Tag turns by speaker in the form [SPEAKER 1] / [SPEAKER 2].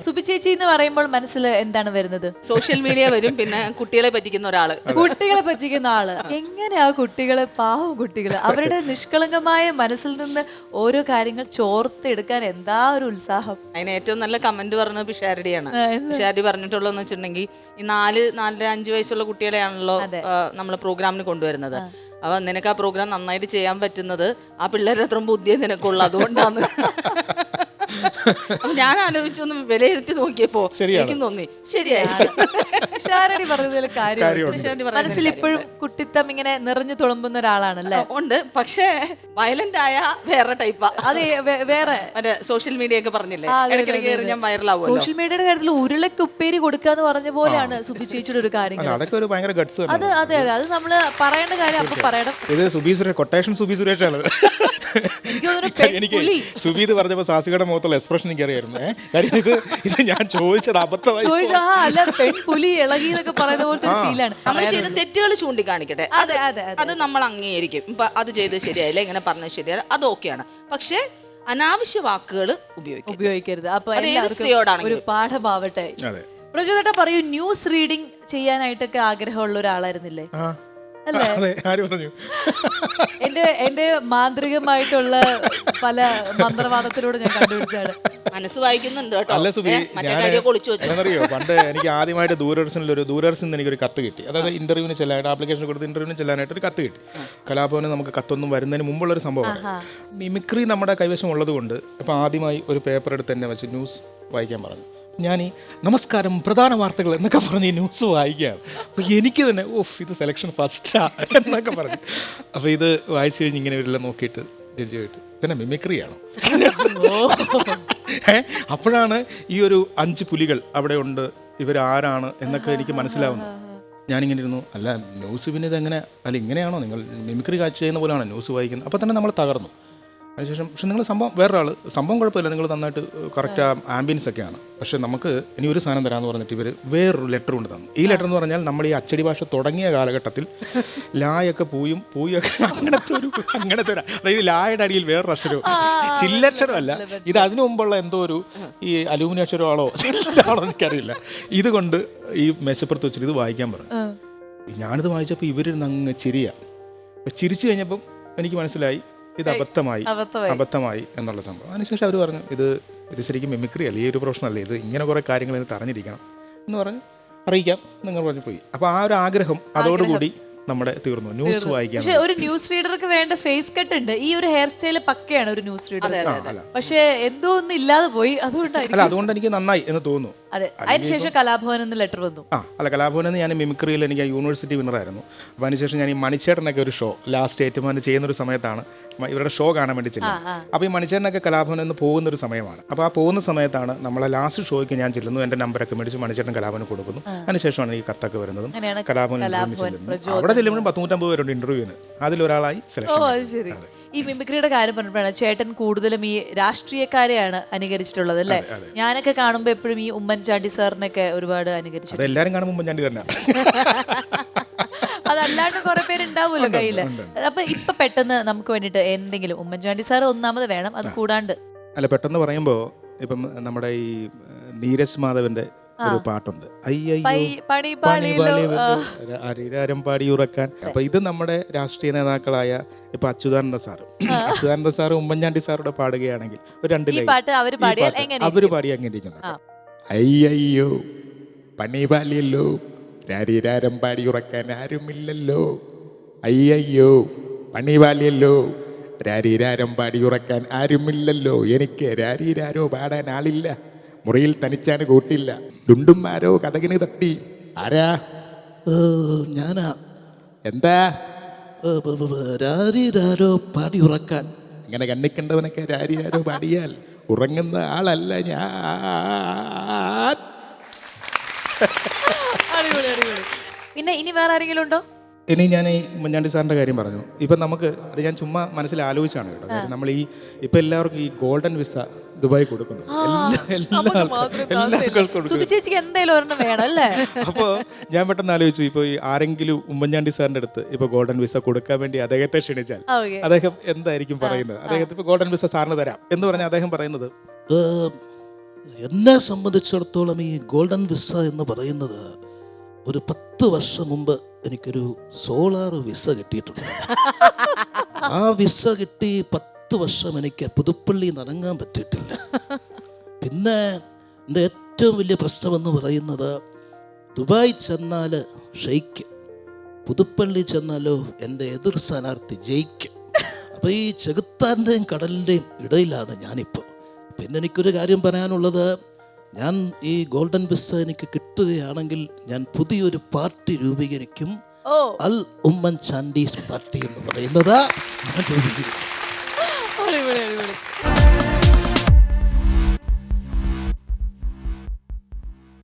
[SPEAKER 1] സുബി ചേച്ചി എന്ന് പറയുമ്പോൾ മനസ്സിൽ എന്താണ് വരുന്നത്?
[SPEAKER 2] സോഷ്യൽ മീഡിയ വരും, പിന്നെ കുട്ടികളെ പറ്റിക്കുന്ന ഒരാള്.
[SPEAKER 1] കുട്ടികളെ പറ്റിക്കുന്ന ആള്. എങ്ങനെയാ കുട്ടികളെ, പാവം കുട്ടികള്, അവരുടെ നിഷ്കളങ്കമായ മനസ്സിൽ നിന്ന് ഓരോ കാര്യങ്ങൾ ചോർത്തെടുക്കാൻ എന്താ ഒരു ഉത്സാഹം.
[SPEAKER 2] അതിന് ഏറ്റവും നല്ല കമന്റ് പറഞ്ഞത് പിഷാരടിയാണ്. പിഷാരടി പറഞ്ഞിട്ടുള്ളതെന്ന് വെച്ചിട്ടുണ്ടെങ്കിൽ ഈ 4-5 വയസ്സുള്ള കുട്ടികളെയാണല്ലോ നമ്മൾ പ്രോഗ്രാമിന് കൊണ്ടുവരുന്നത്. അപ്പൊ നിനക്ക് ആ പ്രോഗ്രാം നന്നായിട്ട് ചെയ്യാൻ പറ്റുന്നത് ആ പിള്ളേരുടെ അത്ര ബുദ്ധിയെ നിനക്കുള്ളു, അതുകൊണ്ടാണ്. അപ്പൊ ഞാൻ ആലോചിച്ചൊന്ന് വിലയിരുത്തി നോക്കിയപ്പോ എനിക്കും തോന്നി ശരിയായി.
[SPEAKER 1] ഷാരടി പറഞ്ഞതിൽ കാര്യം. മനസ്സിൽ ഇപ്പോഴും കുട്ടിത്തം ഇങ്ങനെ നിറഞ്ഞു തുളുമ്പുന്ന ഒരാളാണല്ലേ?
[SPEAKER 2] ഉണ്ട്, പക്ഷേ വയലന്റ് ആയ വേറെ ടൈപ്പാ.
[SPEAKER 1] അതെ, വേറെ
[SPEAKER 2] മറ്റേ സോഷ്യൽ മീഡിയ ഒക്കെ പറഞ്ഞില്ലേ, ഞാൻ വൈറലാവും.
[SPEAKER 1] സോഷ്യൽ മീഡിയയുടെ കാര്യത്തിൽ ഉരുളക്ക് ഉപ്പേരി കൊടുക്കാന്ന് പറഞ്ഞ പോലെയാണ് സുബി ചേച്ചിയുടെ ഒരു കാര്യം. അത് അതെ അതെ, അത് നമ്മള് പറയേണ്ട കാര്യം അപ്പൊ പറയണം.
[SPEAKER 3] ഇത് സുബി സുരേഷ്, കൊട്ടേഷൻ സുബി സുരേഷാണ്. എനിക്ക് സുബി ഇത് പറഞ്ഞപ്പോ സാസികയുടെ മുഖത്തുള്ള എക്സ്പ്രഷൻ എനിക്ക് അറിയായിരുന്നു. കാര്യം ഇത് ഞാൻ ചോദിച്ചത് അബദ്ധമായി.
[SPEAKER 1] അല്ല, പെൺപുലി ഇളകി എന്നൊക്കെ പറയുന്ന പോലത്തെ ഫീലാണ്.
[SPEAKER 2] നമ്മൾ ചെയ്ത തെറ്റുകൾ ചൂണ്ടിക്കാണിക്കട്ടെ, അത് നമ്മൾ അംഗീകരിക്കും. ഇപ്പൊ അത് ചെയ്ത് ശരിയായില്ല, ഇങ്ങനെ പറഞ്ഞത് ശരിയല്ല, അത് ഓക്കെയാണ്. പക്ഷെ അനാവശ്യ വാക്കുകൾ
[SPEAKER 1] ഉപയോഗിക്കരുത്. അപ്പൊ
[SPEAKER 2] സ്ത്രീയോടാണ്
[SPEAKER 1] ഒരു പാഠമാവട്ടെ. പ്രചോദേട്ടാ പറയൂ, ന്യൂസ് റീഡിംഗ് ചെയ്യാനായിട്ടൊക്കെ ആഗ്രഹമുള്ള ഒരാളായിരുന്നില്ലേ? എന്റെ മാന്ത്രികമായിട്ടുള്ള പല മന്ത്രവാദത്തിലൂടെ ഞാൻ കണ്ടുപിടിച്ചാണ്.
[SPEAKER 2] മനസ്സ് വായിക്കുന്നുണ്ട്.
[SPEAKER 3] അല്ല സുബി, ഞാനറിയോ പണ്ട് എനിക്ക് ആദ്യമായിട്ട് ദൂരദർശനിൽ എനിക്കൊരു കത്ത് കിട്ടി. അതായത് ഇന്റർവ്യൂവിന് ചെല്ലാനായിട്ട്, ആപ്ലിക്കേഷൻ കൊടുത്ത് ഇന്റർവ്യൂവിന് ചെല്ലാനായിട്ട് ഒരു കത്ത് കിട്ടി. കലാഭവന് നമുക്ക് കത്തൊന്നും വരുന്നതിന് മുമ്പുള്ളൊരു സംഭവമാണ്. മിമിക്രി നമ്മുടെ കൈവശം ഉള്ളത് കൊണ്ട് ഇപ്പം ആദ്യമായി ഒരു പേപ്പർ എടുത്ത് തന്നെ വെച്ച് ന്യൂസ് വായിക്കാൻ പറഞ്ഞു. ഞാൻ ഈ നമസ്കാരം, പ്രധാന വാർത്തകൾ എന്നൊക്കെ പറഞ്ഞ് ഈ ന്യൂസ് വായിക്കുകയാണ്. അപ്പോൾ എനിക്ക് തന്നെ ഇത് സെലക്ഷൻ ഫസ്റ്റാ എന്നൊക്കെ പറഞ്ഞു. അപ്പോൾ ഇത് വായിച്ചു കഴിഞ്ഞ് ഇങ്ങനെ ഇവരെല്ലാം നോക്കിയിട്ട് ജഡ്ജിയായിട്ട് തന്നെ മിമിക്രിയാണ്. അപ്പോഴാണ് ഈ ഒരു 5 പുലികൾ അവിടെ ഉണ്ട്, ഇവരാരാണ് എന്നൊക്കെ എനിക്ക് മനസ്സിലാവുന്നത്. ഞാനിങ്ങനെ ഇരുന്നു, അല്ല ന്യൂസ് പിന്നെ ഇതെങ്ങനെ, അല്ല ഇങ്ങനെയാണോ നിങ്ങൾ മിമിക്രി കാഴ്ച ചെയ്യുന്ന പോലെയാണോ ന്യൂസ് വായിക്കുന്നത്? അപ്പോൾ തന്നെ നമ്മൾ തകർന്നു. അതിനുശേഷം പക്ഷെ നിങ്ങൾ സംഭവം കുഴപ്പമില്ല, നിങ്ങൾ നന്നായിട്ട് കറക്റ്റ് ആംബിയൻസ് ഒക്കെയാണ്. പക്ഷെ നമുക്ക് ഇനി ഒരു സാധനം തരാമെന്ന് പറഞ്ഞിട്ട് ഇവർ വേറൊരു ലെറ്റർ കൊണ്ട് തന്നു. ഈ ലെറ്റർ എന്ന് പറഞ്ഞാൽ നമ്മൾ ഈ അച്ചടി ഭാഷ തുടങ്ങിയ കാലഘട്ടത്തിൽ ലായൊക്കെ പൂയൊക്കെ അങ്ങനത്തെ അതായത് ലായുടെ അടിയിൽ വേറൊരു അക്ഷരവും, ചില്ലക്ഷരമല്ല ഇത്, അതിനു മുമ്പുള്ള എന്തോ ഒരു ഈ അലൂമിനിയം അക്ഷരമാണോ ചില്ലാണോ എനിക്കറിയില്ല. ഇതുകൊണ്ട് ഈ മേശപ്പുറത്ത് വെച്ചിട്ട് ഇത് വായിക്കാൻ പറഞ്ഞു. ഞാനിത് വായിച്ചപ്പോൾ ഇവരിരുന്ന് അങ്ങ് ചിരിയാണ്. ചിരിച്ചു കഴിഞ്ഞപ്പം എനിക്ക് മനസ്സിലായി ഇത് അബദ്ധമായി എന്നുള്ള സംഭവം. അതിനുശേഷം അവർ പറഞ്ഞു ഇത് ശരിക്കും മിമിക്രി അല്ല, ഈ ഒരു പ്രൊഫഷൻ അല്ലേ, ഇത് ഇങ്ങനെ കുറേ കാര്യങ്ങൾ ഇതിന് അറിഞ്ഞിരിക്കണം എന്ന് പറഞ്ഞ് അറിയിക്കാം നിങ്ങൾ പറഞ്ഞു പോയി. അപ്പോൾ ആ ഒരു ആഗ്രഹം അതോടുകൂടി നമ്മുടെ തീർന്നു. ന്യൂസ് വായിക്കാൻ.
[SPEAKER 1] പക്ഷെ ഒരു ന്യൂസ് റീഡർക്ക് വേണ്ട ഫേസ് കട്ട് ഉണ്ട്. ഈ ഒരു ഹെയർ സ്റ്റൈൽ പക്കയാണ് ഒരു ന്യൂസ് റീഡർ. പക്ഷെ എന്തോ ഒന്നും ഇല്ലാതെ പോയി.
[SPEAKER 3] അതുകൊണ്ട് എനിക്ക് നന്നായി എന്ന് തോന്നുന്നു.
[SPEAKER 1] അതെ, അതിനുശേഷം കലാഭവൻ എന്ന് ലെറ്റർ വന്നു.
[SPEAKER 3] കലാഭവനിൽ നിന്ന് ഞാൻ മിമിക്രിയിൽ എനിക്ക് യൂണിവേഴ്സിറ്റി വിന്നറായിരുന്നു. അപ്പോൾ അതിനുശേഷം ഞാൻ ഈ മണിച്ചേട്ടനൊക്കെ ഒരു ഷോ ലാസ്റ്റ് ഏറ്റുമാൻ ചെയ്യുന്നൊരു സമയത്താണ് ഇവരുടെ ഷോ കാണാൻ വേണ്ടി ചെല്ലുന്നത്. അപ്പോൾ ഈ മണിച്ചേട്ടനൊക്കെ കലാഭവനിൽ നിന്ന് പോകുന്നൊരു സമയമാണ്. അപ്പോൾ ആ പോകുന്ന സമയത്താണ് നമ്മളെ ലാസ്റ്റ് ഷോയ്ക്ക് ഞാൻ ചെല്ലുന്നു. എൻ്റെ നമ്പറൊക്കെ മേടിച്ച് മണിച്ചേട്ടൻ കലാഭവന് കൊടുക്കുന്നു. അതിനുശേഷമാണ് ഈ കത്തൊക്കെ വരുന്നതും കലാഭവനിൽ ചെല്ലുന്നു. അവിടെ ചെല്ലുമ്പോഴും 150 പേരുണ്ട് ഇന്റർവ്യൂവിന്, അതിലൊരാളായി സെലക്ഷൻ.
[SPEAKER 1] ഈ മിമിക്രിയുടെ കാര്യം പറഞ്ഞപ്പോഴാണ് ചേട്ടൻ കൂടുതലും ഈ രാഷ്ട്രീയക്കാരെയാണ് അനുകരിച്ചിട്ടുള്ളത് അല്ലേ? ഞാനൊക്കെ കാണുമ്പോൾ എപ്പോഴും ഈ ഉമ്മൻചാണ്ടി സാറിനൊക്കെ ഒരുപാട് അനുകരിച്ചു.
[SPEAKER 3] എല്ലാവരും കാണുമ്പോൾ ഉമ്മൻചാണ്ടി തന്നെ.
[SPEAKER 1] അതല്ലാണ്ട് കുറെ പേരുണ്ടാവുമല്ലോ കയ്യില്. അപ്പൊ ഇപ്പൊ പെട്ടെന്ന് നമുക്ക് വേണ്ടിട്ട് എന്തെങ്കിലും, ഉമ്മൻചാണ്ടി സാർ ഒന്നാമത് വേണം, അത് കൂടാണ്ട്
[SPEAKER 3] അല്ല പെട്ടെന്ന് പറയുമ്പോ ഇപ്പം നമ്മുടെ ഈ നീരജ് മാധവന്റെ ഒരു പാട്ടുണ്ട്, അരിരാരം പാടിയുറക്കാൻ. അപ്പൊ ഇത് നമ്മുടെ രാഷ്ട്രീയ നേതാക്കളായ ഇപ്പൊ അച്യുതാനന്ദ സാറ് ഉമ്മൻചാണ്ടി സാറുടെ പാടുകയാണെങ്കിൽ ഒരു 2 ലൈൻ അവര് പാടി അങ്ങനെ ഇരിക്കുന്നത്. അയ്യോ പണി പാലിയല്ലോ, രാരിരാരം പാടിയുറക്കാൻ ആരുമില്ലല്ലോ, അയ്യോ പണി പാലിയല്ലോ, രാരിരാരം പാടിയുറക്കാൻ ആരുമില്ലല്ലോ, എനിക്ക് രാരിരാരോ പാടാൻ ആളില്ല, മുറിയിൽ തനിച്ചാണ് കൂട്ടില്ല, ഡുണ്ടുമാരോ കഥകിന് തട്ടി. ആരാ?
[SPEAKER 4] ഞാനാ.
[SPEAKER 3] എന്താ?
[SPEAKER 4] രാരിരാരോ പാടി ഉറക്കാൻ.
[SPEAKER 3] ഇങ്ങനെ കണ്ണിക്കണ്ടവനൊക്കെ രാരിരാരോ പാടിയാൽ ഉറങ്ങുന്ന ആളല്ല ഞാൻ.
[SPEAKER 1] പിന്നെ ഇനി വേറെ ആരെങ്കിലും ഉണ്ടോ?
[SPEAKER 3] ഇനി ഞാൻ ഈ ഉമ്മൻചാണ്ടി സാറിൻ്റെ കാര്യം പറഞ്ഞു. ഇപ്പം നമുക്ക് അത് ഞാൻ ചുമ്മാ മനസ്സിൽ ആലോചിച്ചാണ് കേട്ടോ. നമ്മൾ ഈ ഇപ്പം എല്ലാവർക്കും ഈ ഗോൾഡൻ വിസ ദുബായ് കൊടുക്കുന്നു. അപ്പോൾ ഞാൻ പെട്ടെന്ന് ആലോചിച്ചു, ഇപ്പോൾ ഈ ആരെങ്കിലും ഉമ്മൻചാണ്ടി സാറിൻ്റെ അടുത്ത് ഇപ്പോൾ ഗോൾഡൻ വിസ കൊടുക്കാൻ വേണ്ടി അദ്ദേഹത്തെ ക്ഷണിച്ചാൽ അദ്ദേഹം എന്തായിരിക്കും പറയുന്നത്? അദ്ദേഹത്തെ ഇപ്പോൾ ഗോൾഡൻ വിസ സാറിന് തരാം എന്ന് പറഞ്ഞാൽ അദ്ദേഹം പറയുന്നത്
[SPEAKER 4] എന്നെ സംബന്ധിച്ചിടത്തോളം ഈ ഗോൾഡൻ വിസ എന്ന് പറയുന്നത് ഒരു 10 വർഷം മുമ്പ് എനിക്കൊരു സോളാർ വിസ കിട്ടിയിട്ടുണ്ട്. ആ വിസ കിട്ടി 10 വർഷം എനിക്ക് പുതുപ്പള്ളി ഇറങ്ങാൻ പറ്റിയിട്ടില്ല. പിന്നെ എൻ്റെ ഏറ്റവും വലിയ പ്രശ്നമെന്ന് പറയുന്നത് ദുബായ് ചെന്നാൽ ഷെയ്ക്ക്, പുതുപ്പള്ളി ചെന്നാലോ എൻ്റെ എതിർ സ്ഥാനാർത്ഥി ജയിക്കും. അപ്പോൾ ഈ ചെകുത്താൻ്റെയും കടലിൻ്റെയും ഇടയിലാണ് ഞാനിപ്പോൾ. പിന്നെ എനിക്കൊരു കാര്യം പറയാനുള്ളത്, ഞാൻ ഈ ഗോൾഡൻ വിസ എനിക്ക് കിട്ടുകയാണെങ്കിൽ ഞാൻ പുതിയൊരു പാർട്ടി രൂപീകരിക്കും. അൽ ഉമ്മൻ ചാണ്ടി പാർട്ടി എന്ന് പറയുന്നത് ഞാൻ രൂപീകരിക്കും.
[SPEAKER 1] അടിപൊളി, അടിപൊളി.